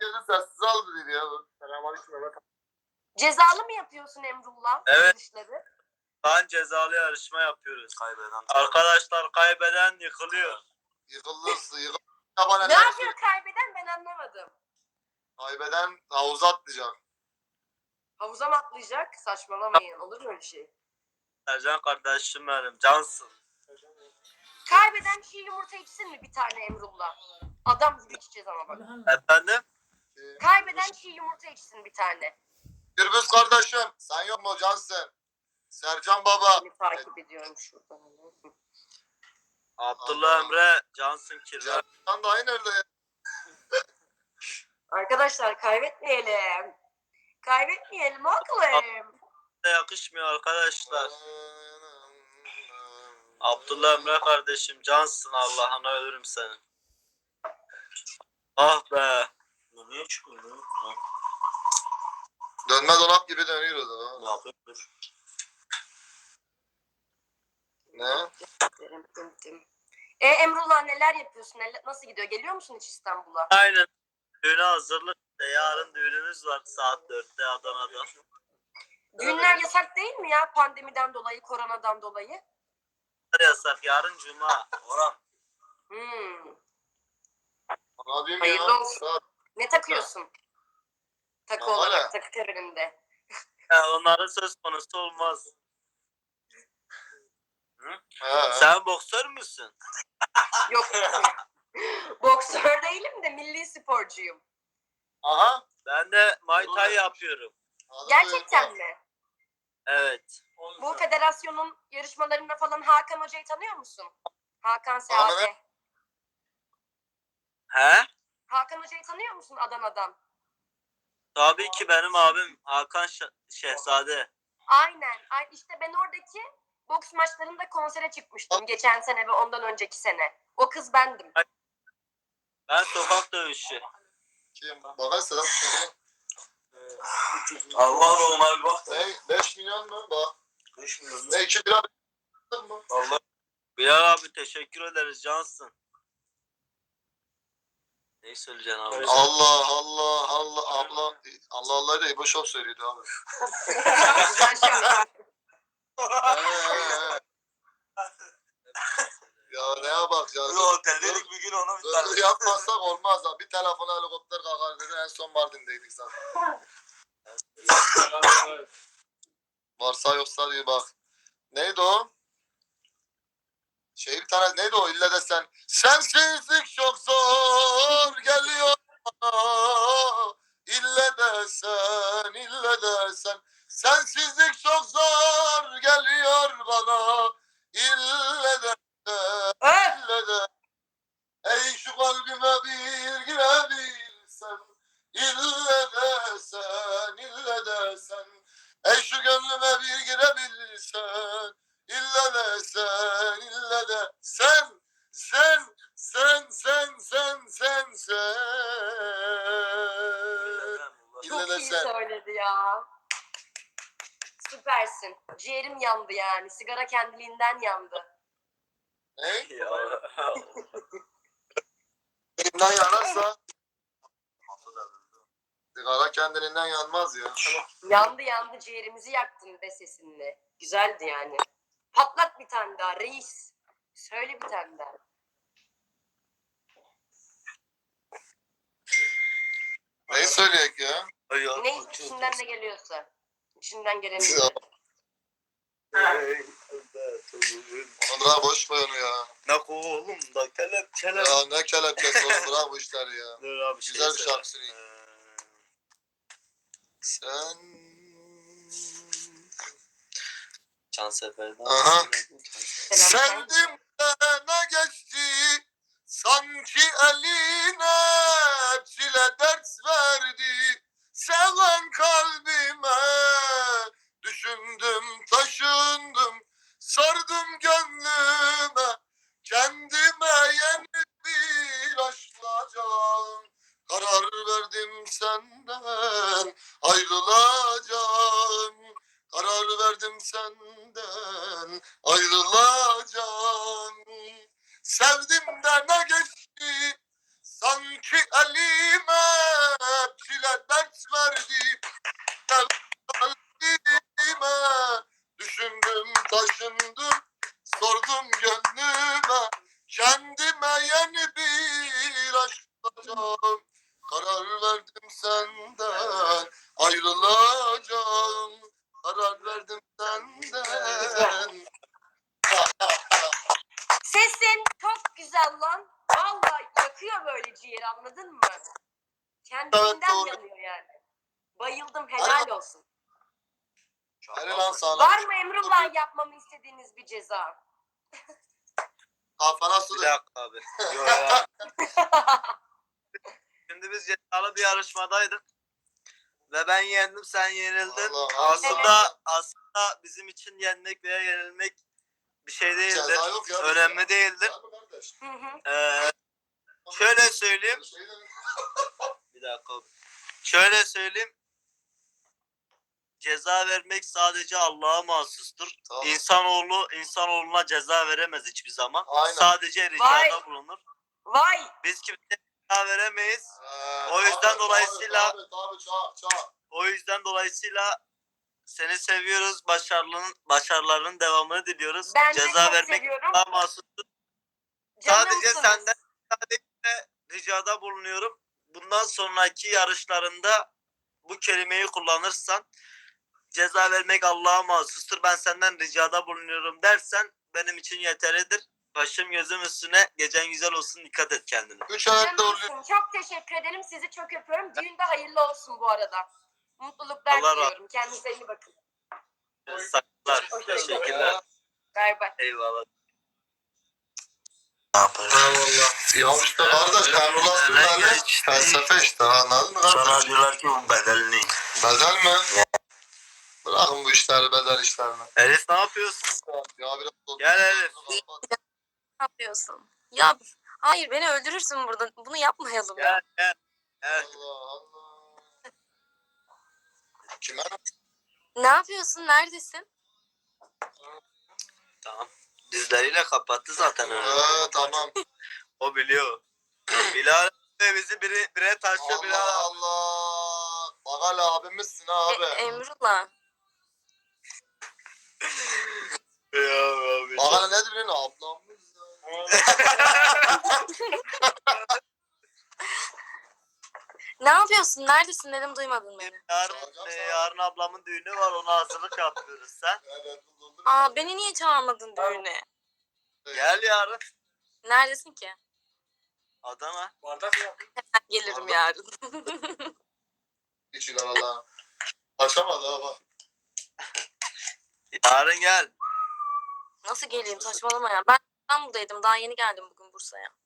sessiz al dedi ya. Selamünaleyküm Mehmet. Cezalı mı yapıyorsun Emrullah? Evet. Yarışları? Ben cezalı yarışma yapıyoruz. Arkadaşlar kaybeden yıkılıyor. Yıkılırsın. Ne yapıyor kaybeden, ben anlamadım. Kaybeden havuza atlayacak. Havuza mı atlayacak? Saçmalamayın. Olur mu öyle şey? Ercan kardeşim benim. Cansın. Kaybeden çiğ yumurta içsin mi bir tane Emrullah? Adam gibi içeceğiz ama bak. Efendim? Kaybeden çiğ yumurta içsin bir tane. Gürbüz kardeşim. Sen yok mu Cansın? Sercan baba. Seni takip ediyorum şuradan. Abdullah Emre Cansın Kirve. Sercan da aynı nerede ya? Arkadaşlar kaybetmeyelim. Kaybetmeyelim oğlum. Yakışmıyor arkadaşlar. Abdullah Emre kardeşim Cansın, Allah'ına ölürüm senin. Ah be. Niye çıkıyor? Dönme dolap gibi dönüyor o da. Ne yapıyordur? Ne? Emrullah neler yapıyorsun? Nasıl gidiyor? Geliyor musun hiç İstanbul'a? Aynen. Düğüne hazırlık. Yarın düğünümüz var saat 4'te Adana'da. Düğünler yasak değil mi ya? Pandemiden dolayı, koronadan dolayı. Yasak. Yarın Cuma. Orhan. Hayırlı olsun. Ne takıyorsun? Takı Ya, olarak, öyle. takı töreninde. Onların söz konusu olmaz. He. Sen boksör müsün? Yok. Boksör değilim de milli sporcuyum. Aha. Ben de Muay Thai yapıyorum. Gerçekten mi? Evet. Bu federasyonun yarışmalarında falan Hakan Hoca'yı tanıyor musun? Hakan Seade. He? Hakan Hoca'yı tanıyor musun Adana'dan? Tabii ki benim abim Hakan Şehzade. Aynen. İşte ben oradaki boks maçlarında konsere çıkmıştım. Geçen sene ve ondan önceki sene. O kız bendim. Ben sokak dövüşü. Kim? Bana Sedat söyle. Allah Ömer bak. Ne? 5 milyon mu? Bak. 5 milyon. Ne 2 lira mı? Allah. Bilal abi teşekkür ederiz Cansın. Ne söyleyeceksin abi? Allah Allah Allah abla Allah Allah da İbo Show söylüyordu abi. Güzel şeyler. Ya ne yapak ya? Oteldedik bir gün ona bir tane. Yapmazsak olmaz ha. Bir telefona helikopter kalkar dedi. En son Mardin'deydik zaten. Varsa yoksa diye bak. Neydi o? Bir tane neydi o? İlle de sen. Sensizlik çok zor geliyor bana. İlle de sen, ille de sen. Sensizlik çok zor geliyor bana. İlle de sen, ille de. Ey şu kalbime bir girebilsen. İlle de sen, ille de sen. Ey şu gönlüme bir girebilsen. İlle de sen, ille de sen, sen. Çok iyi söyledi ya. Süpersin. Ciğerim yandı yani. Sigara kendiliğinden yandı. Ne? Kendiliğinden yanarsa sigara kendiliğinden yanmaz ya. Yandı ciğerimizi yaktın be sesinle. Güzeldi yani. Patlat bir tane daha reis. Söyle bir tane daha. Neyi söyleyek ya? Ne içinden ne geliyorsa. İçinden geleni. Onu bırak boş ver onu ya. Ne oğlum da kelepçeler. Ya ne kelepçesi oğlum bırak bu işleri ya. Dur abi Güzel bir şarkı söyleyeyim. Sen... Cansefer'den. Aha. Sevdim de ne geçti sanki eline çile ders verdi seven kalbime düşündüm taşındım sardım gönlüme kendime yeni bir aşklayacağım karar verdim senden ayrılacağım karar verdim senden ayrılacağım. Sevdim de ne geçti sanki elime ile dert verdi. Kalbime düşündüm taşındım sordum gönlüme kendime yeni bir aşk bulacağım. Karar verdim senden ayrılacağım. Karar verdim senden. Sesin çok güzel lan. Vallahi yakıyor böyle ciğeri, anladın mı? Kendinden doğru. yanıyor yani. Bayıldım, helal olsun. Hadi lan sana. Var mı Emrullah yapmamı istediğiniz bir ceza? Kafana Bir su dök. dakika abi. Yo, ya. Şimdi biz cezalı bir yarışmadaydık. Ve ben yendim, sen yenildin. Allah Allah. Aslında bizim için yenmek veya yenilmek bir şey değildir. Ceza yok ya. Önemli değildir. Var mı kardeş? Hı hı. Şöyle söyleyeyim. Bir dakika. Şöyle söyleyeyim. Ceza vermek sadece Allah'a mahsustur. Tamam. İnsanoğluna ceza veremez hiçbir zaman. Aynen. Sadece ricada bulunur. Vay! Biz kimseye ceza veremeyiz. O yüzden dolayısıyla- Tabii çağır. O yüzden dolayısıyla seni seviyoruz. Başarılarının devamını diliyoruz. Ben de Ceza çok vermek seviyorum. Allah'a mahsustur. Sadece Canımsınız. senden ricada bulunuyorum. Bundan sonraki yarışlarında bu kelimeyi kullanırsan ceza vermek Allah'a mahsustur. Ben senden ricada bulunuyorum dersen benim için yeterlidir. Başım gözüm üstüne. Gecen güzel olsun. Dikkat et kendine. 3 ayakta oluyor. Canımsın. Çok teşekkür ederim. Sizi çok öpüyorum. Düğün de hayırlı olsun bu arada. Mutluluklar Allah razı diliyorum. Kendinize iyi bakın. Saygılar. Hoşçakalın. Teşekkürler. Bay bay. Eyvallah. Eyvallah. Ya işte kardeş kalkulasyon yani felsefe işte anladın mı Sonra kardeş? diyorlar ki bu bedelini. Bedel mi? Bırakın bu işleri bedel işlerini. Elif ne yapıyorsun? Ya biraz Gel Elif. Ne yapıyorsun? Ya hayır, beni öldürürsün burada. Bunu yapmayalım ya. Gel. Gel. Allah Allah. Kime? Ne yapıyorsun? Neredesin? Tamam. Dizleriyle kapattı zaten onu. Tamam. O biliyor. Bilal bizi bire taşıyor Allah Bilal. Allah. Bak hala abimizsin ha abi. Emrullah. Ya abi. Bak hala nedir lan ablamız ya. Ne yapıyorsun? Neredesin dedim, duymadın beni. Yarın ablamın düğünü var, ona hazırlık yapıyoruz sen. Aa, beni niye çağırmadın düğüne? Gel yarın. Neredesin ki? Adana. Gelirim yarın. Hiç ilan Allah. Açamadı ha bak. Yarın gel. Nasıl geleyim? Saçmalama ya. Ben İstanbul'daydım. Daha yeni geldim bugün Bursa'ya.